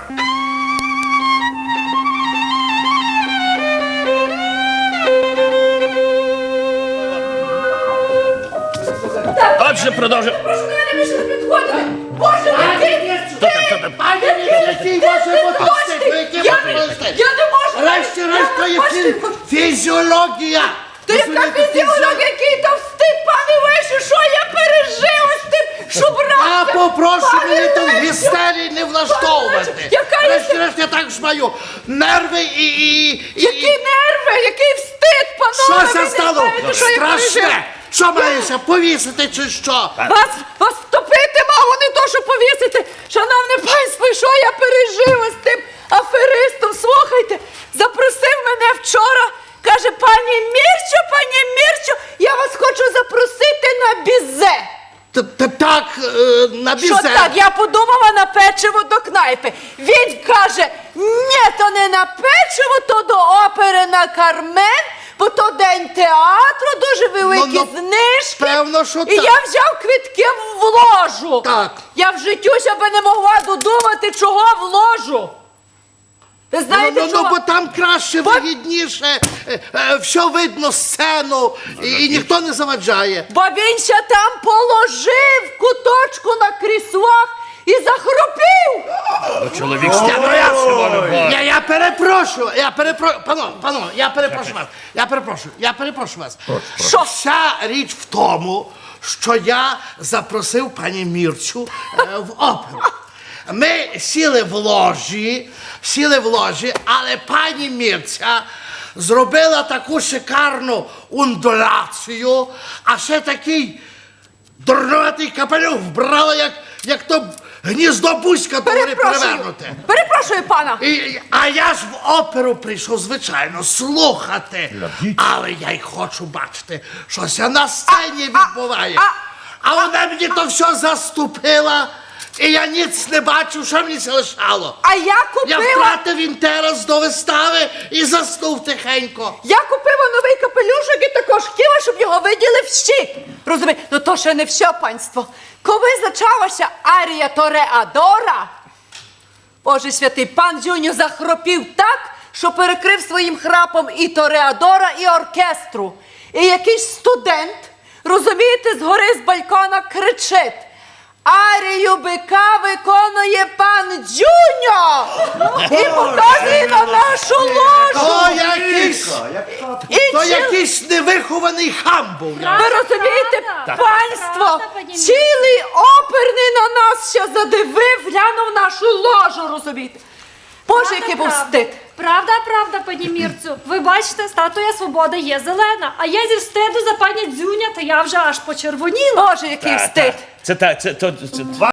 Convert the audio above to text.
Отже, продовжуємо. Прошу, не більше не підходити. Боже, який Хто там? Пані, який може бути стиль? Я не можу. Врешті-решт, то є фізіологія. Та яка фізіологія, який там встид, пане Вишу, що я пережив з тим, що брат? Я попрошу мені тут гістерії не влаштовувати. Яка Врешті-решт, я так ж маю нерви і... Які нерви, який встид, панове, Що ви це не стало? знаєте, що я пережив. Страшне! Що маєшся, повісити чи що? Вас втопити мало, не то, що повісити. Шановне панство, що я пережила з тим аферистом? Слухайте, запросив мене вчора, каже, пані Мірчо, я вас хочу запросити на бізе. Так, на бізе. Що так? Я подумала на печиво до кнайпи. Він каже, ні, то не на печиво, то до опери на Кармен, бо то день театру, дуже великі знижки. Певно, що І так. я взяв квитки в ложу. Так. Я в життю себе не могла додумати, чого в ложу. Ви знаєте, чого? Бо там краще, вигідніше, все видно сцену, і ніхто не заваджає. Бо він ще там положив в куточку на кріслах і захропів. Чоловік стягнувся. Я перепрошую, пано, я перепрошую вас. Що? Вся річ в тому, що я запросив пані Мірцю в оперу. Ми сіли в ложі, але пані Мірця зробила таку шикарну ундуляцію, а ще такий дурнуватий капелюх вбрала, як то гніздо бузька до гори перевернуте. Перепрошую, пана. А я ж в оперу прийшов, звичайно, слухати. Але я й хочу бачити, щося на сцені відбуває. А вона мені то все заступила, і я ніц не бачу, що мені це лишало. А я Я купила... втратив інтерес до вистави і заснув тихенько. Я купила новий капелюшок і також хотіла, щоб його виділи всі. Розумієте? Ну то ще не все, панство. Коли почалася арія Тореадора, Боже святий, пан Дзюньо захропів так, що перекрив своїм храпом і Тореадора, і оркестру. І якийсь студент, розумієте, згори з балкона кричить: арію бика виконує пан Дзюньо! І показує на нашу ложу! То якийсь невихований хам був. Ви розумієте, панство, пані цілий оперний на нас ще задивив, глянув нашу ложу, розумієте? Боже, який був стид. Правда, пані Мірцю. Ви бачите, статуя свободи є зелена, а я зі встиду за пані Дзюня, то я вже аж почервоніла. Боже, який стид. Це так, це